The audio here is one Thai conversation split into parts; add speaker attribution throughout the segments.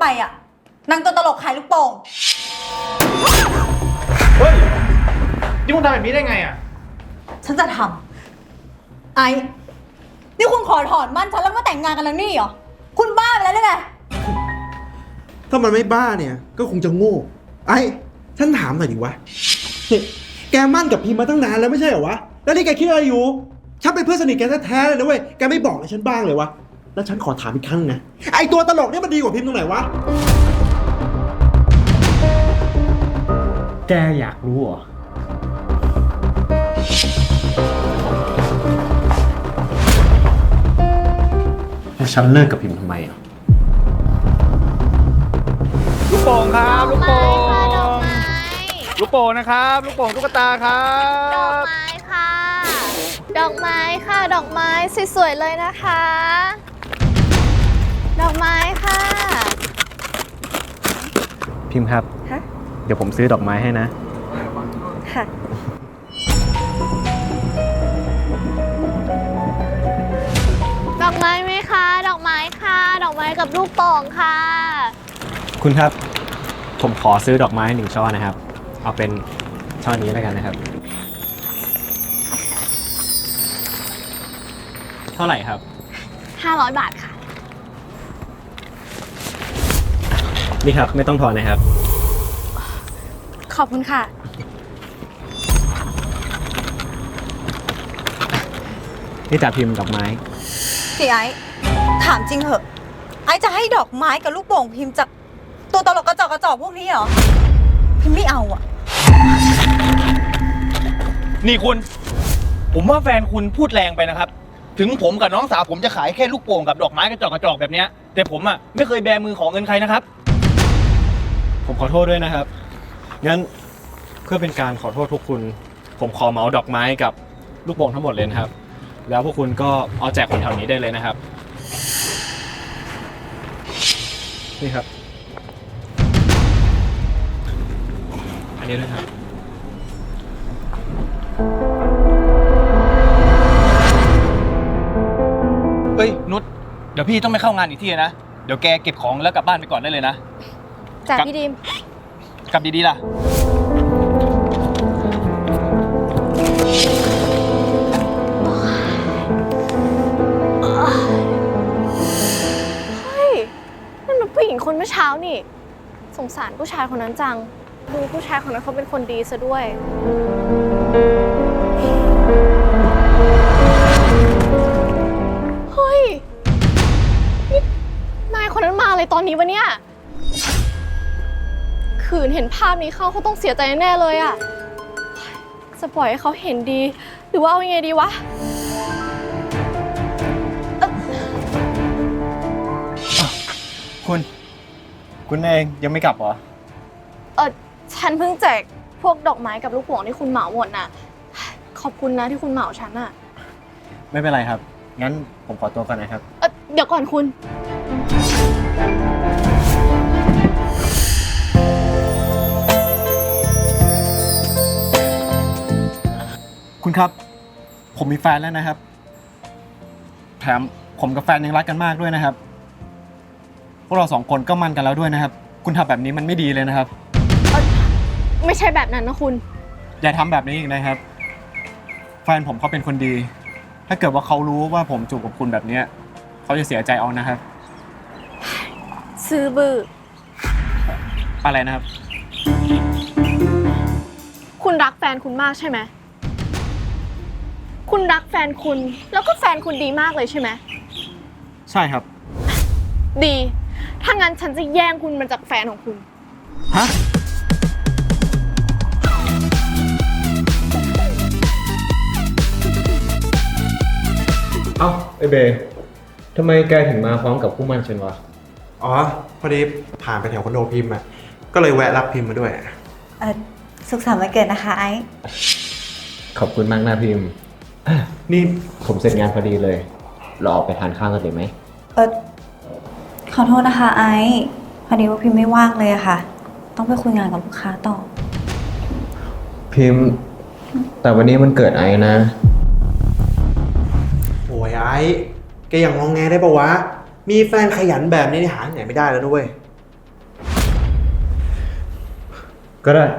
Speaker 1: ไปอ่ะนางตัวตลกขายลูกโป่ง
Speaker 2: เฮ้ยนี่คุณทำแบบนี้ได้ไงอ่ะ
Speaker 1: ฉันจะทำไอ้นี่คุณขอถอนมั่นฉันแล้วมาแต่งงานกันแล้วนี่เหรอคุณบ้าไปแล้วหรือไง
Speaker 3: ถ้ามันไม่บ้าเนี่ยก็คงจะโง่ฉันถามหน่อยดิวะแกมั่นกับพิมมาตั้งนานแล้วไม่ใช่เหรอวะแล้วนี่แกคิดอะไรอยู่ฉันเป็นเพื่อนสนิทแกแท้ๆเลยนะเว้ยแกไม่บอกอะไรฉันบ้างเลยวะแล้วฉันขอถามอีกครั้งนะไอตัวตลกเนี่ยมันดีกว่าพิมตรงไหนวะ
Speaker 2: แกอยากรู้เหรอแล้วฉันเลิกกับพิมทำไมอ่ะลูกโป่งครับลูกโป่งลูกโป่งนะครับลูกโป่งตุ๊กตาครับ
Speaker 4: ดอกไม้ค่ะดอกไม้ค่ะดอกไม้สวยๆเลยนะคะดอกไม้ค่ะ
Speaker 2: พิมครับ
Speaker 4: ฮะ
Speaker 2: เดี๋ยวผมซื้อดอกไม้ให้นะ
Speaker 4: ค่ะดอกไม้ไหมคะดอกไม้ค่ะดอกไม้กับลูกโป่งค่ะ
Speaker 2: คุณครับผมขอซื้อดอกไม้1 ช่อนะครับเอาเป็นช่อนี้แล้วกันนะครับเท่าไหร่ครับ
Speaker 4: 500 บาทค่ะ
Speaker 2: นี่ครับไม่ต้องทอนนะครับ
Speaker 4: ขอบคุณค่ะ
Speaker 2: นี่จ่าพิมพ์ดอกไม้
Speaker 1: พี่ไอ้ถามจริงเหอะไอ้จะให้ดอกไม้กับลูกโป่งพิมพ์จากตัวตลกกระจอกพวกนี้เหรอพิมไม่เอาอ่ะ
Speaker 5: นี่คุณผมว่าแฟนคุณพูดแรงไปนะครับถึงผมกับน้องสาวผมจะขายแค่ลูกโป่งกับดอกไม้กระจอกแบบเนี้ยแต่ผมอ่ะไม่เคยแบมือขอเงินใครนะครับ
Speaker 2: ผมขอโทษด้วยนะครับงั้นเพื่อเป็นการขอโทษพวกคุณผมขอเหมาดอกไม้กับลูกโป่งทั้งหมดเลยนะครับแล้วพวกคุณก็เอาแจกคนแถวนี้ได้เลยนะครับนี่ครับอันนี้ด้วยครับ
Speaker 5: เอ้ยนุชเดี๋ยวพี่ต้องไปเข้างานอีกที่นะเดี๋ยวแกเก็บของแล้วกลับบ้านไปก่อนได้เลยนะ
Speaker 4: จ้ะพี่ดิม
Speaker 5: กลับดีๆล่ะ
Speaker 4: เฮ้ยนั่นมันผู้หญิงคนเมื่อเช้านี่สงสารผู้ชายคนนั้นจังดูผู้ชายคนนั้นเขาเป็นคนดีซะด้วยเฮ้ยนี่นายคนนั้นมาอะไรตอนนี้วะเนี่ยขืนเห็นภาพนี้เขาต้องเสียใจแน่เลยอะจะปล่อยให้เขาเห็นดีหรือว่าเอายังไงดีวะ
Speaker 2: คุณเองยังไม่กลับเหรอ
Speaker 4: ฉันเพิ่งแจกพวกดอกไม้กับลูกโป่งที่คุณเหมาหมดน่ะขอบคุณนะที่คุณเหมาฉันน่ะ
Speaker 2: ไม่เป็นไรครับงั้นผมขอตัวก่อนนะครับ
Speaker 4: เดี๋ยวก่อน
Speaker 2: คุณครับผมมีแฟนแล้วนะครับแถมผมกับแฟนยังรักกันมากด้วยนะครับพวกเรา2 คนก็มั่นกันแล้วด้วยนะครับคุณทำแบบนี้มันไม่ดีเลยนะครับ
Speaker 4: ไม่ใช่แบบนั้นนะคุณ
Speaker 2: อย่าทำแบบนี้อีกนะครับแฟนผมเขาเป็นคนดีถ้าเกิดว่าเขารู้ว่าผมจูบกับคุณแบบนี้เขาจะเสียใจเอานะครับ
Speaker 4: ซื้อบื้อ
Speaker 2: อะไรนะครับ
Speaker 4: คุณรักแฟนคุณมากใช่ไหมคุณรักแฟนคุณแล้วก็แฟนคุณดีมากเลยใช่ไหม
Speaker 2: ใช่ครับ
Speaker 4: ดีถ้างั้นฉันจะแย่งคุณมาจากแฟนของคุณ
Speaker 2: ฮะเอ้าไอเบย์ทำไมแกถึงมาพร้อมกับคู่มั่นฉันวะ
Speaker 3: อ๋อพอดีผ่านไปแถวคอนโดพิมพ์ก็เลยแวะรับพิมพ์มาด้วย
Speaker 1: สุขสันต์วันเกิดนะคะไอ้
Speaker 2: ขอบคุณมากนะพิมพ์นี่ผมเสร็จงานพอดีเลยเราออกไปทานข้าวกันเลยไหม
Speaker 1: ขอโทษนะคะไอ้พอดีว่าพิมไม่ว่างเลยอะค่ะต้องไปคุยงานกับลูกค้าต่อ
Speaker 2: พิมพ์แต่วันนี้มันเกิดไอ้นะ
Speaker 3: โอ้ยไอ้แกอย่างงองแงได้ปะวะมีแฟนขยันแบบนี้หาที่ไหนไม่ได้แล้วนะเว้ย
Speaker 2: ก็ได้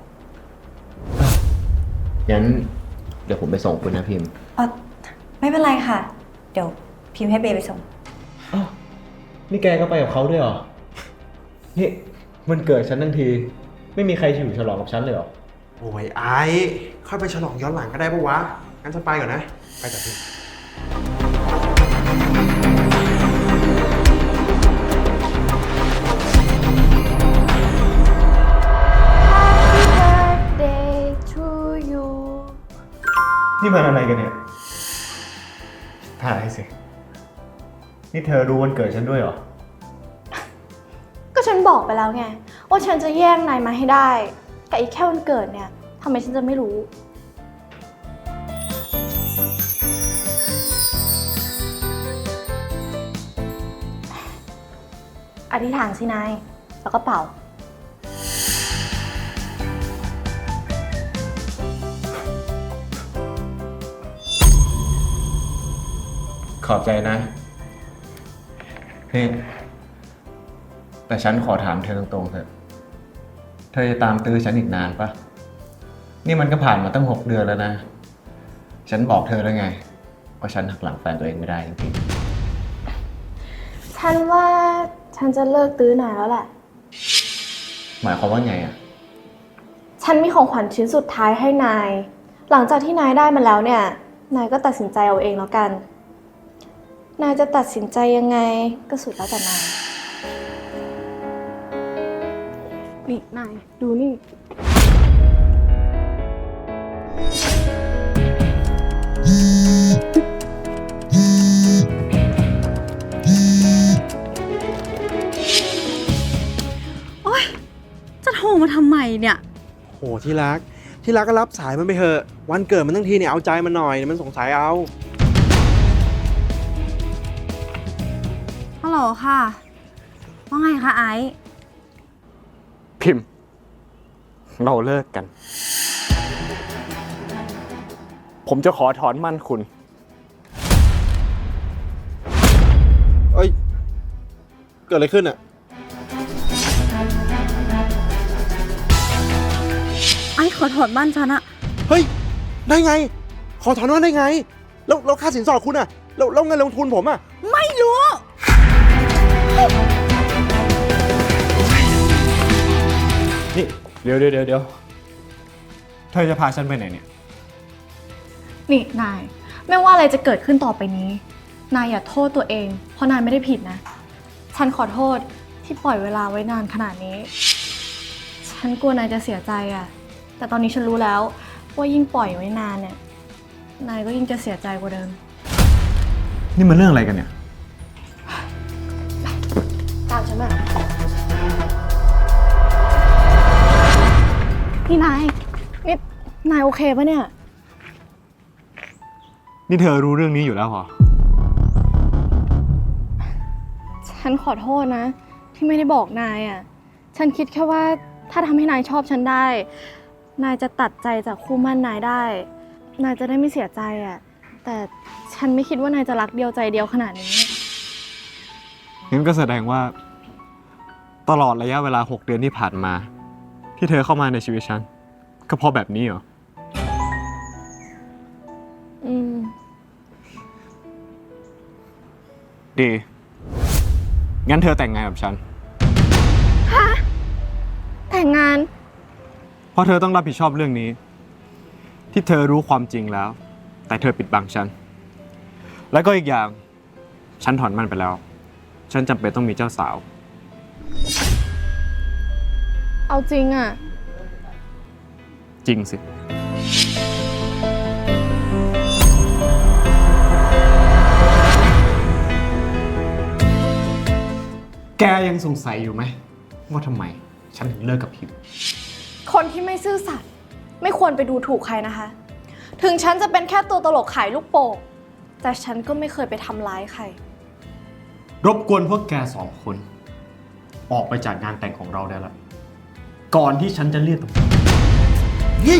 Speaker 6: งั้นเดี๋ยวผมไปส่งคุณนะพิมพ์
Speaker 1: ไม่เป็นไรค่ะ เดี๋ยวพิมพ์ให้เบย์ไปส่ง
Speaker 2: นี่แกก็ไปกับเขาด้วยเหรอ นี่มันเกิดฉันทั้งที ไม่มีใครอยู่ฉลองกับฉันเลยเหรอ
Speaker 3: โอ้ยไอ้ค่อยไปฉลองย้อนหลังก็ได้ปะวะ งั้นฉันไปก่อนนะ ไปจากที่
Speaker 4: birthday to you
Speaker 2: นี่มันอะไรกันเนี่ยถ่ายสิ นี่เธอรู้วันเกิดฉันด้วยเหรอ
Speaker 4: ก็ฉันบอกไปแล้วไง ว่าฉันจะแย่งนายมาให้ได้แต่อีกแค่วันเกิดเนี่ยทำไมฉันจะไม่รู้ อธิษฐานสินาย แล้วก็เป่า
Speaker 2: ขอบใจนะนี่แต่ฉันขอถามเธอตรงๆเถอะ เธอจะตามตื้อฉันอีกนานปะ นี่มันก็ผ่านมาตั้ง6 เดือนแล้วนะ ฉันบอกเธอแล้วไงว่าฉันหักหลังแฟนตัวเองไม่ได้จริง
Speaker 4: ฉันว่าฉันจะเลิกตื้อนายแล้วแหละ
Speaker 2: ๆหมายความว่าไงอ่ะ
Speaker 4: ฉันมีของขวัญชิ้นสุดท้ายให้นาย หลังจากที่นายได้มันแล้วเนี่ย นายก็ตัดสินใจเอาเองแล้วกัน นายจะตัดสินใจยังไงก็สุดแล้วแต่นาย นี่นายดูนี่
Speaker 1: จะโทรมาทำไมเนี่ย
Speaker 3: โหที่รัก ที่รักก็รับสายมันไปเถอะ วันเกิดมันทั้งทีเนี่ยเอาใจมันหน่อย มันสงสัยเอา
Speaker 1: ฮัลโหลค่ะ ว่าไงคะไอซ์
Speaker 2: พิมพ์ เราเลิกกัน ผมจะขอถอนมั่นคุณ
Speaker 3: เอ้ย เกิดอะไรขึ้นอ่ะ
Speaker 1: ไอซ์ขอถอดบ้านฉันอะ
Speaker 3: เฮ้ย ได้ไง ขอถอนว่าได้ไง แล้วค่าสินสอดคุณอ่ะ แล้วเงินลงทุนผมอ่ะ
Speaker 1: ไม่รู้
Speaker 2: นี่เดี๋ยวเธอจะพาฉันไปไหนเนี่ย
Speaker 4: นี่นาย ไม่ว่าอะไรจะเกิดขึ้นต่อไปนี้ นายอย่าโทษตัวเอง เพราะนายไม่ได้ผิดนะ ฉันขอโทษที่ปล่อยเวลาไว้นานขนาดนี้ ฉันกลัวนายจะเสียใจอะแต่ตอนนี้ฉันรู้แล้วว่ายิ่งปล่อยไว้นานเนี่ย นายก็ยิ่งจะเสียใจกว่าเดิม
Speaker 2: นี่มันเรื่องอะไรกันเนี่ย
Speaker 4: ตามฉันมาพี่นาย นี่นายโอเคปะเนี่ย
Speaker 2: นี่เธอรู้เรื่องนี้อยู่แล้วเหรอ
Speaker 4: ฉันขอโทษนะ ที่ไม่ได้บอกนายอ่ะ ฉันคิดแค่ว่าถ้าทำให้นายชอบฉันได้ นายจะตัดใจจากคู่มั่นนายได้ นายจะได้ไม่เสียใจอ่ะ แต่ฉันไม่คิดว่านายจะรักเดียวใจเดียวขนาดนี้
Speaker 2: งั้นก็แสดงว่า ตลอดระยะเวลา6 เดือนที่ผ่านมา ที่เธอเข้ามาในชีวิตฉัน ก็เพราะแบบนี้เหรอ
Speaker 4: อืม
Speaker 2: ดี งั้นเธอแต่งงานกับฉัน
Speaker 4: แต่งงาน
Speaker 2: เพราะเธอต้องรับผิดชอบเรื่องนี้ ที่เธอรู้ความจริงแล้ว แต่เธอปิดบังฉัน แล้วก็อีกอย่าง ฉันถอนมันไปแล้ว ฉันจำเป็นต้องมีเจ้าสาว
Speaker 4: เอาจริงอ่ะ
Speaker 2: จริงสิ แกยังสงสัยอยู่ไหมว่าทำไม ฉันถึงเลิกกับพิมพ์
Speaker 4: คนที่ไม่ซื่อสัตย์ไม่ควรไปดูถูกใครนะคะ ถึงฉันจะเป็นแค่ตัวตลกขายลูกโป่งแต่ฉันก็ไม่เคยไปทำร้ายใคร
Speaker 2: รบกวนพวกแก2 คน ออกไปจากงานแต่งของเราได้แล้ว ก่อนที่ฉันจะเรียกตำรวจ
Speaker 3: นี่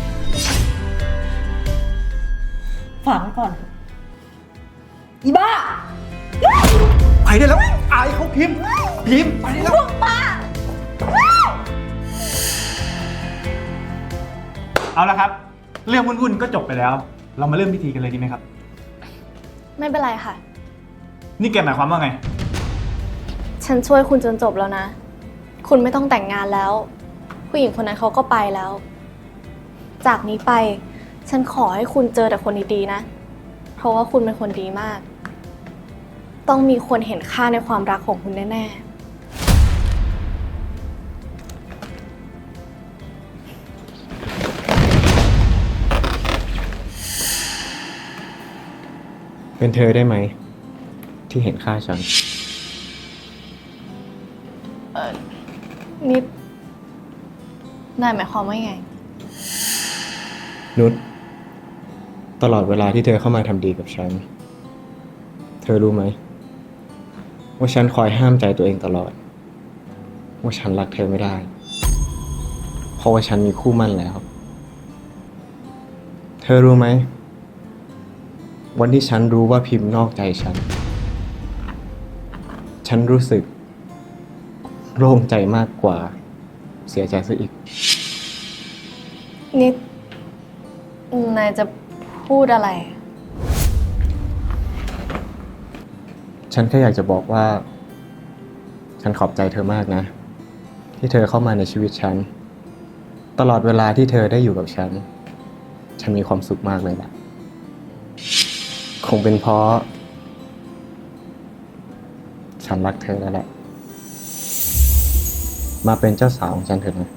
Speaker 1: ฝากไว้ก่อน อีบ้า
Speaker 3: ไปได้แล้ว อายเขาพิมพ์ ไปได้แล้ว
Speaker 1: พวกบ้า
Speaker 2: เอาละครับ เรื่องวุ่นๆก็จบไปแล้ว เรามาเริ่มพิธีกันเลยดีไหมครับ
Speaker 4: ไม่เป็นไรค่ะ
Speaker 2: นี่แกหมายความว่าไง
Speaker 4: ฉันช่วยคุณจนจบแล้วนะ คุณไม่ต้องแต่งงานแล้ว ผู้หญิงคนนั้นเขาก็ไปแล้ว จากนี้ไป ฉันขอให้คุณเจอแต่คนดีๆนะ เพราะว่าคุณเป็นคนดีมาก ต้องมีคนเห็นค่าในความรักของคุณแน่ๆ
Speaker 2: เป็นเธอได้ไหม ที่เห็นค่าฉัน
Speaker 4: นิดนายหมายความว่าไง
Speaker 2: นุชตลอดเวลาที่เธอเข้ามาทำดีกับฉัน เธอรู้ไหม ว่าฉันคอยห้ามใจตัวเองตลอด ว่าฉันรักเธอไม่ได้ เพราะว่าฉันมีคู่มั่นแล้ว เธอรู้ไหม วันที่ฉันรู้ว่าพิมพ์นอกใจฉันรู้สึกโล่งใจมากกว่าเสียใจซะอีก
Speaker 4: นิดนายจะพูดอะไร
Speaker 2: ฉันแค่อยากจะบอกว่า ฉันขอบใจเธอมากนะ ที่เธอเข้ามาในชีวิตฉัน ตลอดเวลาที่เธอได้อยู่กับฉันมีความสุขมากเลยล่ะ คงเป็นเพราะ ฉันรักเธอแล้วแหละ มาเป็นเจ้าสาวของฉันเถอะนะ